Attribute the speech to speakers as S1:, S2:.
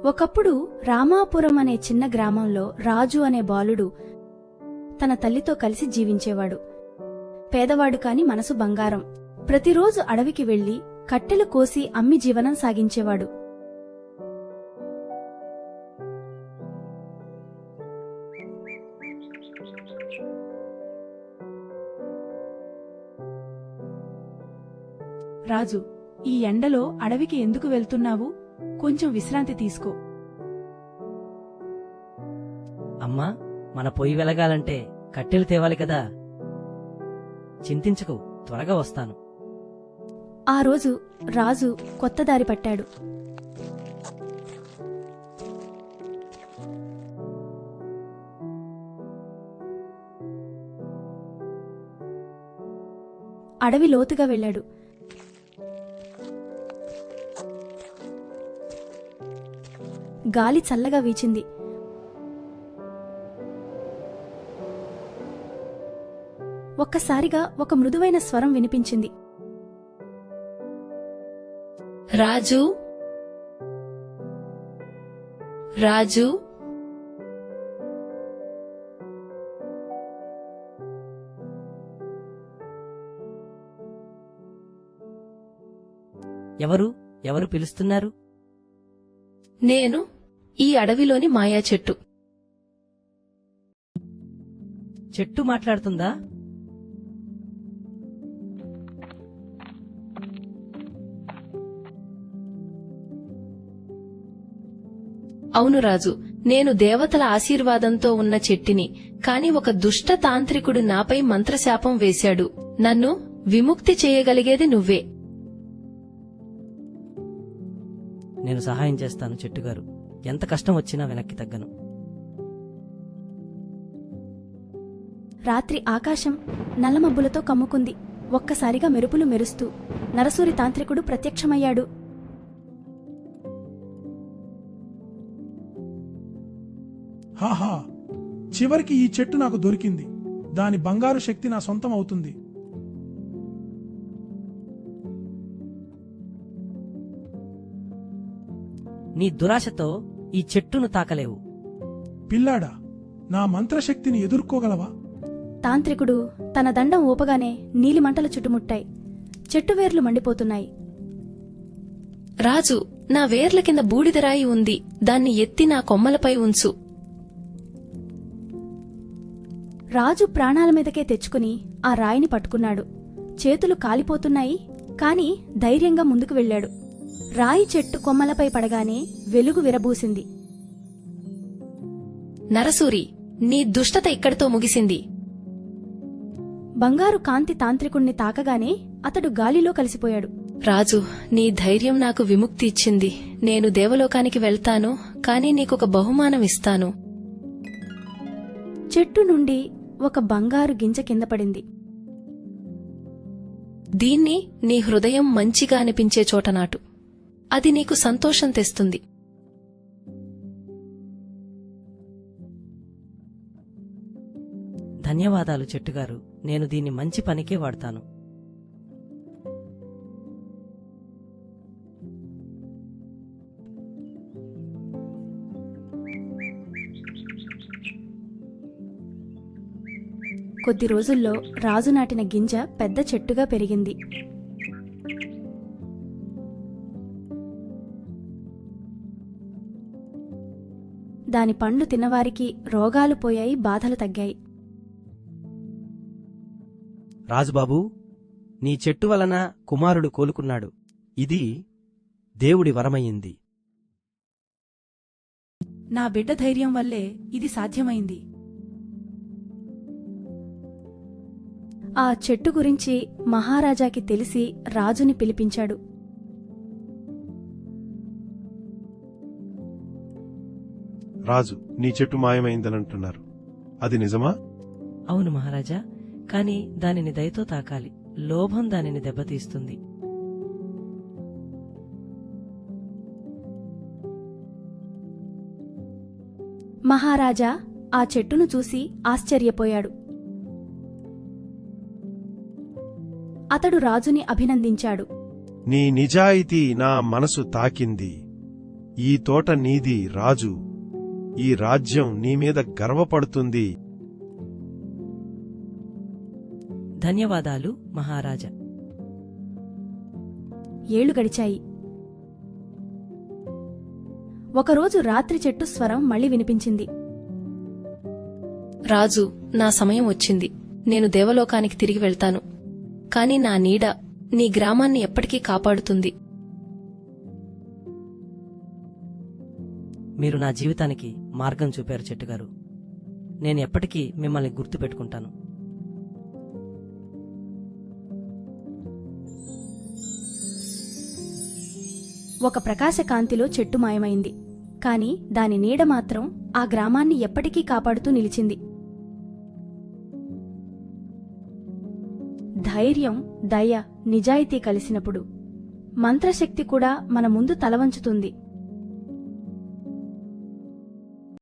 S1: ఒకప్పుడు రామాపురం అనే చిన్న గ్రామంలో రాజు అనే బాలుడు తన తల్లితో కలిసి జీవించేవాడు. పేదవాడు కాని మనసు బంగారం. ప్రతిరోజు అడవికి వెళ్లి కట్టెలు కోసి అమ్మి జీవనం సాగించేవాడు.
S2: రాజు, ఈ ఎండలో అడవికి ఎందుకు వెళ్తున్నావు? కొంచెం విశ్రాంతి తీసుకో.
S3: అమ్మా, మన పొయ్యి వెలగాలంటే కట్టెలు తేవాలి కదా. చింతించకు, త్వరగా వస్తాను.
S1: ఆ రోజు రాజు కొత్త దారి పట్టాడు. అడవి లోతుగా వెళ్ళాడు. గాలి చల్లగా వీచింది. ఒక్కసారిగా ఒక మృదువైన స్వరం వినిపించింది.
S4: రాజు, రాజు.
S3: ఎవరు పిలుస్తున్నారు?
S4: నేను ఈ అడవిలోని మాయా చెట్టు.
S3: చెట్టు మాట్లాడుతుందా?
S4: అవును రాజు, నేను దేవతల ఆశీర్వాదంతో ఉన్న చెట్టిని. కాని ఒక దుష్ట తాంత్రికుడు నాపై మంత్రశాపం వేశాడు. నన్ను విముక్తి చేయగలిగేది నువ్వే.
S3: నేను సహాయం చేస్తాను చెట్టుగారు. ఎంత కష్టం వచ్చినా వెనక్కి తగ్గను.
S1: రాత్రి ఆకాశం నల్లమబ్బులతో కమ్ముకుంది. ఒక్కసారిగా మెరుపులు మెరుస్తూ నరసూరి తాంత్రికుడు ప్రత్యక్షమయ్యాడు.
S5: హాహా, చివరికి ఈ చెట్టు నాకు దొరికింది. దాని బంగారు శక్తి నా సొంతం అవుతుంది.
S3: నీ దురాశతో ఈ చెట్టును తాకలేవు.
S5: పిల్లాడా, నా మంత్రశక్తిని ఎదుర్కోగలవా?
S1: తాంత్రికుడు తన దండం ఊపగానే నీలిమంటలు చుట్టుముట్టాయి. చెట్టు వేర్లు మండిపోతున్నాయి.
S4: రాజు, నా వేర్ల కింద బూడిదరాయి ఉంది. దాన్ని ఎత్తి నా కొమ్మలపై ఉంచు.
S1: రాజు ప్రాణాల మీదకే తెచ్చుకుని ఆ రాయిని పట్టుకున్నాడు. చేతులు కాలిపోతున్నాయి, కాని ధైర్యంగా ముందుకు వెళ్లాడు. రాయి చెట్టు కొమ్మలపై పడగానే వెలుగు విరబూసింది.
S4: నరసూరి, నీ దుష్టత ఇక్కడితో ముగిసింది.
S1: బంగారు కాంతి తాంత్రికుణ్ణి తాకగానే అతడు గాలిలో కలిసిపోయాడు.
S4: రాజు, నీ ధైర్యం నాకు విముక్తి ఇచ్చింది. నేను దేవలోకానికి వెళ్తాను, కాని నీకొక బహుమానం ఇస్తాను.
S1: చెట్టు నుండి ఒక బంగారు గింజ కింద పడింది.
S4: దీన్ని నీ హృదయం మంచిగా అనిపించే చోట నాటు. అది నీకు సంతోషం తెస్తుంది.
S3: ధన్యవాదాలు చెట్టుగారు. నేను దీన్ని మంచి పనికే వాడతాను.
S1: కొద్ది రోజుల్లో రాజు నాటిన గింజ పెద్ద చెట్టుగా పెరిగింది. దాని పండ్లు తిన్నవారికి రోగాలు పోయాయి, బాధలు తగ్గాయి.
S6: రాజుబాబూ, నీ చెట్టు వలన కుమారుడు కోలుకున్నాడు. ఇది దేవుడి వరమయ్యింది.
S2: నా బిడ్డ ధైర్యం వల్లే ఇది సాధ్యమైంది.
S1: ఆ చెట్టు గురించి మహారాజాకి తెలిసి రాజుని పిలిపించాడు.
S7: రాజు, నీ చెట్టు మాయమైందనంటున్నారు. అది నిజమా?
S3: అవును మహారాజా, కాని దానిని దయతో తాకాలి. లోభం దానిని దెబ్బతీస్తుంది.
S1: మహారాజా ఆ చెట్టును చూసి ఆశ్చర్యపోయాడు. అతడు రాజుని అభినందించాడు.
S7: నీ నిజాయితీ నా మనసు తాకింది. ఈ తోట నీది రాజు. ఈ రాజ్యం నీ మీద గర్వపడుతుంది.
S3: ధన్యవాదాలు మహారాజా.
S1: ఏళ్లు గడిచాయి. ఒకరోజు రాత్రి చెట్టు స్వరం మళ్ళీ వినిపించింది.
S4: రాజు, నా సమయం వచ్చింది. నేను దేవలోకానికి తిరిగి వెళ్తాను. కాని నా నీడ నీ గ్రామాన్ని ఎప్పటికీ కాపాడుతుంది.
S3: మీరు నా జీవితానికి మార్గం చూపారు చెట్టుగారు. నేను ఎప్పటికీ మిమ్మల్ని గుర్తుపెట్టుకుంటాను.
S1: ఒక ప్రకాశకాంతిలో చెట్టు మాయమైంది. కాని దాని నీడ మాత్రం ఆ గ్రామాన్ని ఎప్పటికీ కాపాడుతూ నిలిచింది. ధైర్యం, దయ, నిజాయితీ కలిసినప్పుడు మంత్రశక్తి కూడా మన ముందు తలవంచుతుంది.